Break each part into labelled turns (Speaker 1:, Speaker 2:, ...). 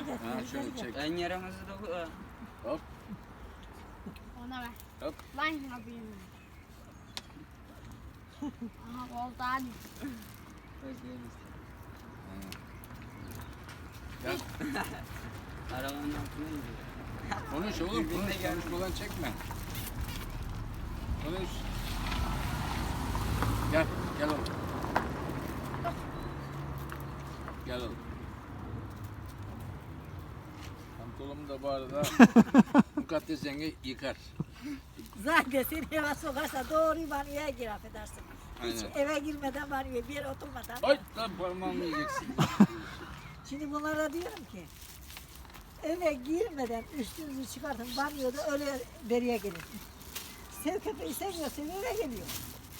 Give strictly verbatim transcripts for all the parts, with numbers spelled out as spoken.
Speaker 1: getir.
Speaker 2: Ha,
Speaker 1: geri
Speaker 2: şöyle
Speaker 1: getir.
Speaker 2: çek.
Speaker 3: En yaramazı da bu. ha.
Speaker 2: Hop
Speaker 4: Ona ver.
Speaker 2: hop.
Speaker 4: Lan yapayım. Aha oldu hadi.
Speaker 2: Gel.
Speaker 3: Arabanın altına gidiyor.
Speaker 2: Konuş oğlum
Speaker 3: Birbirine
Speaker 2: konuş.
Speaker 3: gel.
Speaker 2: Konuşmadan çekme. Konuş. Gel. Gel oğlum. Gel oğlum. Pantolonumu da bu arada Mukaddes yenge yıkar.
Speaker 1: Zaten seni eve sokarsa doğru banyoya gir affedersin. Hiç
Speaker 2: Aynen.
Speaker 1: eve girmeden banyoya bir yere oturmadan.
Speaker 2: Ay lan parmağımı yiyeceksin.
Speaker 1: Şimdi bunlara diyorum ki eve girmeden üstünüzü çıkartın banyoda öyle beriye gelin. Sev köpeği sevmiyor, sev eve geliyor.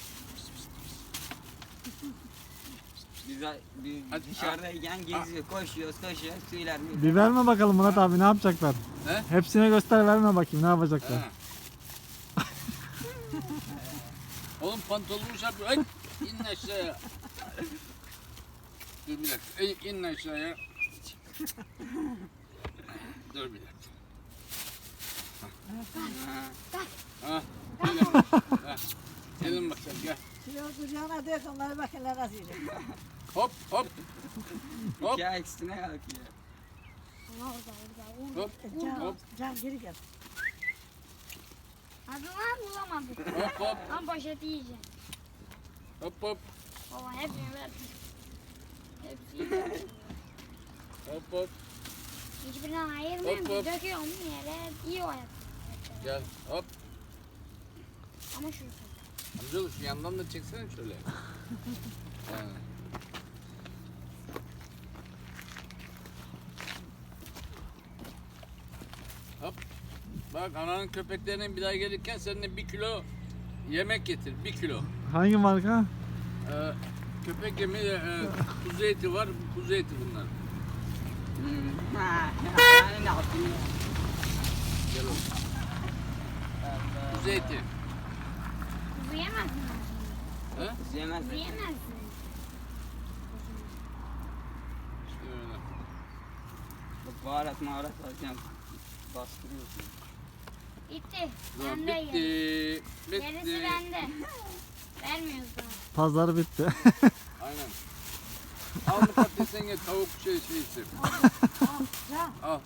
Speaker 3: Biz, biz
Speaker 2: Hadi,
Speaker 3: dışarıdayken geziyor, koşuyoruz, koşuyoruz, suylar bir.
Speaker 5: Bir verme bakalım Murat abi ne yapacaklar?
Speaker 2: He?
Speaker 5: Hepsine göster verme bakayım ne yapacaklar?
Speaker 2: Ha. Oğlum pantolonumu çarpıyor. Ay in aşağıya. Dur bir dakika. İn, in aşağıya. Dur bir dakika. Ha. Gelin. Ha. Gelin bakalım gel.
Speaker 1: Şimdi o kucağına dök onları bakın nasıl yiyecek.
Speaker 2: Hop hop. Hop
Speaker 3: İki ayak üstüne kalkıyor.
Speaker 4: Aha orada orada.
Speaker 2: hop
Speaker 1: Can,
Speaker 2: hop
Speaker 1: can geri gel.
Speaker 4: Hadi lan bulamadık.
Speaker 2: hop hop
Speaker 4: Lan poşeti yiyeceğim.
Speaker 2: hop hop
Speaker 4: Baba hepsini ver. Hepsini ver.
Speaker 2: hop hop.
Speaker 4: Hiçbirinden ayırmıyorum.
Speaker 2: Hop, hop.
Speaker 4: Döküyorum yere. İyi o hayat.
Speaker 2: Gel hop.
Speaker 4: Ama şurası.
Speaker 2: Amcaoğlu şu yandan da çeksene şöyle. Yani. Hop. Bak ananın köpeklerinin bir daha gelirken seninle bir kilo yemek getir. Bir kilo.
Speaker 5: Hangi marka?
Speaker 2: Ee, köpek yemeği e, kuzu eti var. Kuzu eti bunlar.
Speaker 3: Hmm. Ha, yani ne yapayım?
Speaker 2: Gel oğlum. Kuzu eti.
Speaker 4: Kuzu yemezsin.
Speaker 2: He?
Speaker 3: Yemez.
Speaker 4: Kuzu yemezsin.
Speaker 2: İşte öyle.
Speaker 3: Bak baharat maharat alacağım. Bastırıyorsun.
Speaker 4: Bitti.
Speaker 2: Tamam,
Speaker 4: Bende
Speaker 2: bitti.
Speaker 4: yer.
Speaker 2: Bitti.
Speaker 4: Gerisi bende. Vermiyoruz daha.
Speaker 5: Pazar bitti.
Speaker 2: Aynen. Al Mukaddes yenge tavuk şey şeysi.
Speaker 1: Can.
Speaker 2: Al.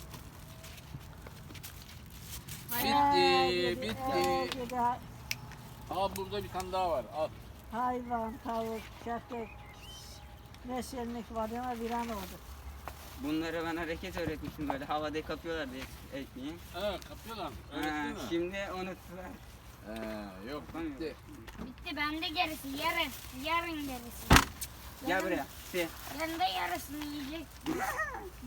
Speaker 1: Ee,
Speaker 2: Bitti.
Speaker 1: bir-
Speaker 2: Bitti.
Speaker 1: ee, bir de
Speaker 2: Al burada bir tane daha var. Al.
Speaker 1: hayvan, tavuk, köpek, neşellik var ama bir an oldu.
Speaker 3: Bunları ben hareket öğretmiştim böyle havada kapıyorlardı et- ekmeği.
Speaker 2: Ha kapıyorlar.
Speaker 3: Ha,
Speaker 2: Öğrettin mi?
Speaker 3: şimdi unuttular.
Speaker 2: He, yok bitti.
Speaker 4: Bitti bende gerisi. Yarın. Yarın gerisi.
Speaker 3: Gel buraya. Şey.
Speaker 4: Yarın da yarısını yiyecek.